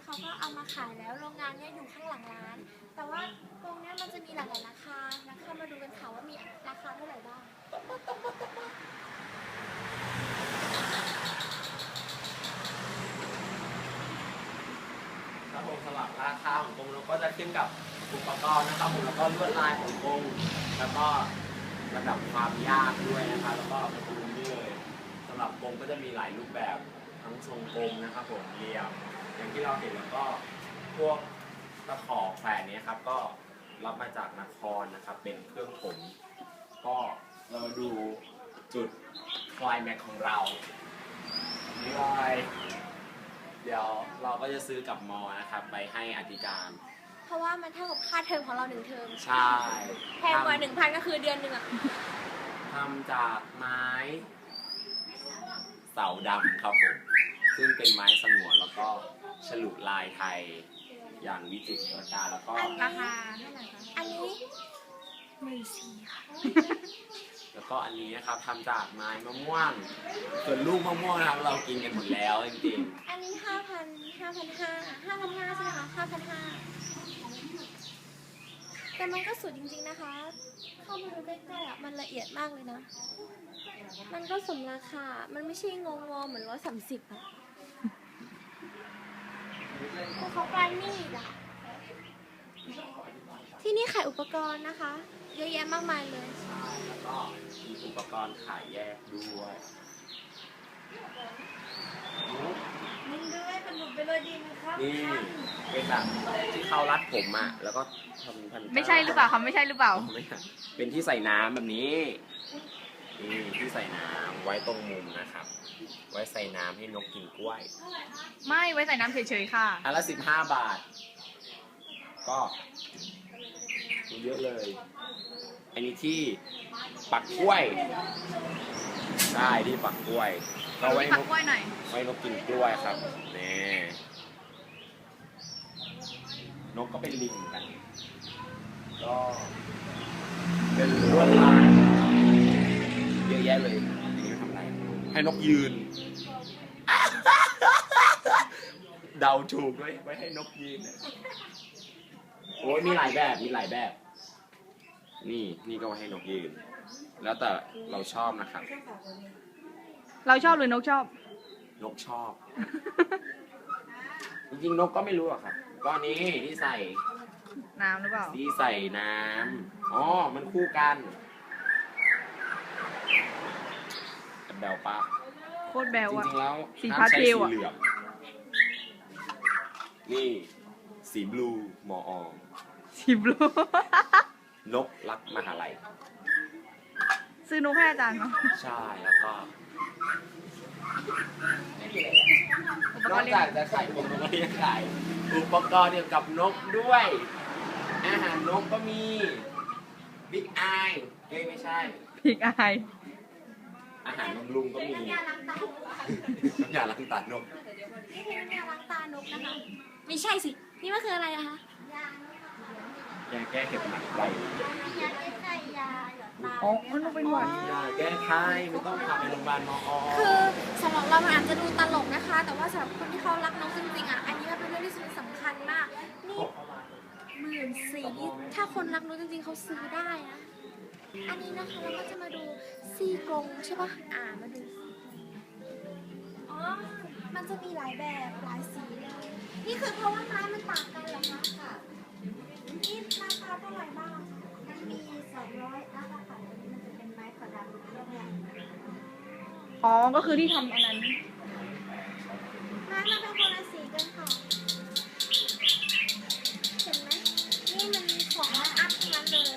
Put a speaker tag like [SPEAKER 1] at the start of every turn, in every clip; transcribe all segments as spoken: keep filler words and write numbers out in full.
[SPEAKER 1] เขาก็เอามาขายแล้วโรงงานเนี่ยอยู่ข้างหลังร้าน แต่ว่ากรงเนี่ยมันจะมีหลายๆราคานะเข้ามาดูกันค่ะว่ามีราคาเท่าไหร่บ้าง
[SPEAKER 2] ครับผมสำหรับราคาของกรงเราก็จะขึ้นกับอุปกรณ์นะครับผมแล้วก็ลวดลายของกรงแล้วก็ระดับความยากด้วยนะครับแล้วก็ประตูนี่เลยสำหรับกรงก็จะมีหลายรูปแบบทั้งทรงกลมนะครับผมเหลี่ยมอย่างที่เราเห็นแล้วก็พวกตะขอแขวนนี้ครับก็รับมาจากนครนะครับเป็นเครื่องผมก็เรามาดูจุดคลายแม็กของเรานี่เลยเดี๋ยวเราก็จะซื้อกับมอนะครับไปให้อธิการ
[SPEAKER 1] เพราะว่ามันเท่ากับค่าเทอมของเราหนึ่งเทอม
[SPEAKER 2] ใช่
[SPEAKER 1] แพงกว่าหนึ่งพันก็คือเดือนหนึ่งอะ
[SPEAKER 2] ทำจากไม้เสาดำครับผมซึ่งเป็นไม้สงวนแล้วก็ฉลุลายไทยอย่างวิจิตรการแล้วก็
[SPEAKER 3] ราคาเท่าไหร่คะ
[SPEAKER 1] อันนี้หมื่นสี่ค่ะ
[SPEAKER 2] แล้วก็อันนี้นะครับทำจากไม้มะม่วงส่วนลูกมะม่วงนะครับเรากินกันหมดแล้วจริง
[SPEAKER 1] อันนี้ห้าพันห้าพันห้าห้าพันห้าใช่ไหมคะห้าพันห้าแต่มันก็สวยจริงๆนะคะ เข้ามาดูใกล้ๆอ่ะมันละเอียดมากเลยนะ มันก็สมราคา มันไม่ใช่งงๆเหมือนร้อยสามสิบอะแต่เขาปลายมีดอะที่นี่ขายอุปกรณ์นะคะ เยอะแยะมากมายเลย
[SPEAKER 2] ๆใช่แล้วก็มีอุปกรณ์ขายแยกด้วย
[SPEAKER 3] มึงด้วยเป็นหนุนไปเลยดีไหมครับ
[SPEAKER 2] นี่เป็นแบบที่เขารัดผมอ่ะแล้วก็ทำพัน
[SPEAKER 3] ไม่ใช่หรือเปล่าคะไม่ใช่หรือเปล่า
[SPEAKER 2] ไม่ใช่เป็นที่ใส่น้ำแบบนี้นี่ที่ใส่น้ำไว้ตรงมุมนะครับ ไว้ใส่น้ำให้นกกินกล้วย
[SPEAKER 3] ไม่ไว้ใส่น้ำเฉยๆค่ะ
[SPEAKER 2] อันละสิบห้าบาท ก็เยอะเลย อันนี้ที่ปักกล้วยใช่ที่ปักกล้วยก็ไว้
[SPEAKER 3] ปั
[SPEAKER 2] น
[SPEAKER 3] ก
[SPEAKER 2] ก
[SPEAKER 3] กล้วยหน่อย
[SPEAKER 2] ไว้นกกินกล้วยครับนี่นกก็เป็นลิงเหมือนกัน ก็เป็นลวดลายเยอะแยะเลยอันนี้ทำอะไรให้นกยืน เดาถูกด้วยไว้ให้นกยืนนะโอ้ยมีหลายแบบมีหลายแบบ นี่นี่ก็ไว้ให้นกยืน แล้วแต่เราชอบนะครับ
[SPEAKER 3] เราชอบหรือนกชอบ
[SPEAKER 2] นกชอบ จริงๆนกก็ไม่รู้อะครับก้อนนี้ที่ใส่
[SPEAKER 3] น้ำหรือเปล่า
[SPEAKER 2] ที่ใส่น้ำอ๋อมันคู่กันแบลปะ
[SPEAKER 3] โคตรแบว
[SPEAKER 2] จ
[SPEAKER 3] อะ
[SPEAKER 2] ริงๆแล้ว
[SPEAKER 3] สี
[SPEAKER 2] ห้ามใช้
[SPEAKER 3] พาสเท
[SPEAKER 2] สี
[SPEAKER 3] ลอะ
[SPEAKER 2] เหลืองนี่สีบลูมออ
[SPEAKER 3] สีบลู
[SPEAKER 2] นกรักมหาลัย
[SPEAKER 3] ซื้อนกให้อาจารย์เนาะ
[SPEAKER 2] ใช่แล้วก็นอกจากจะขายผมแล้วก็ยังขายอุปกรณ์เกี่ยวกับนกด้วย อาหารนกก็มีบิ๊กไอเอ้ยไม่ใช่
[SPEAKER 3] พีกอาย
[SPEAKER 2] อาหารบำรุงก็มี
[SPEAKER 1] น้ำยาล้างตานก
[SPEAKER 2] น้ำยาล้างตานก
[SPEAKER 1] นี่คือน้ำยาล้างตานกนะคะ ไม่ใช่สิ นี่มันคืออะไรอะคะ
[SPEAKER 2] ยาแก้เห็บหมัดไว
[SPEAKER 1] ยาแก้ไขยาหยอดตา
[SPEAKER 3] อ๋อมันต้องเป็นหวัด
[SPEAKER 2] ยาแก้ไข้ไม่ต้องพาไปโรงพยาบาลมอ
[SPEAKER 1] คือสำหรับเรามันอาจจะดูตลกนะคะ แต่ว่าสำหรับคนที่เขารักน้องจริงๆอ่ะ อันนี้มันเป็นเรื่องที่สำคัญมาก นี่หมื่นสี่นี่ถ้าคนรักน้องจริงๆเขาซื้อได้นะ อันนี้นะคะเราก็จะมาดูซี่กรงใช่ปะอ่ามาดูซี่กรงอ๋อ มันจะมีหลายแบบหลายสีเลย นี่คือเพราะว่าไม้มันต่างกันเหรอคะค่ะ นี่ราคาเท่าไหร่บ้าง
[SPEAKER 4] มันมีสองร้อยอัพอะค่ะตัวนี้มันจะเป็นไม้ขอดำเรื่องเนี่ย
[SPEAKER 3] อ๋อ ก็คือที่ทำอันนั้น
[SPEAKER 1] ไม้มันเป็นคนละสีกันค่ะ เห็นไหม นี่มันของอัพทั้งนั้นเลย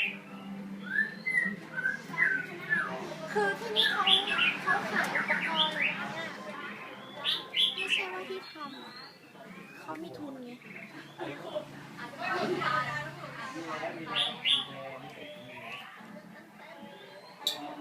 [SPEAKER 1] คือที่นี่เขาเขาขายอุปกรณ์เลยนะเนี่ยไม่ใช่ว่าที่ทำอะเขามีทุนไง น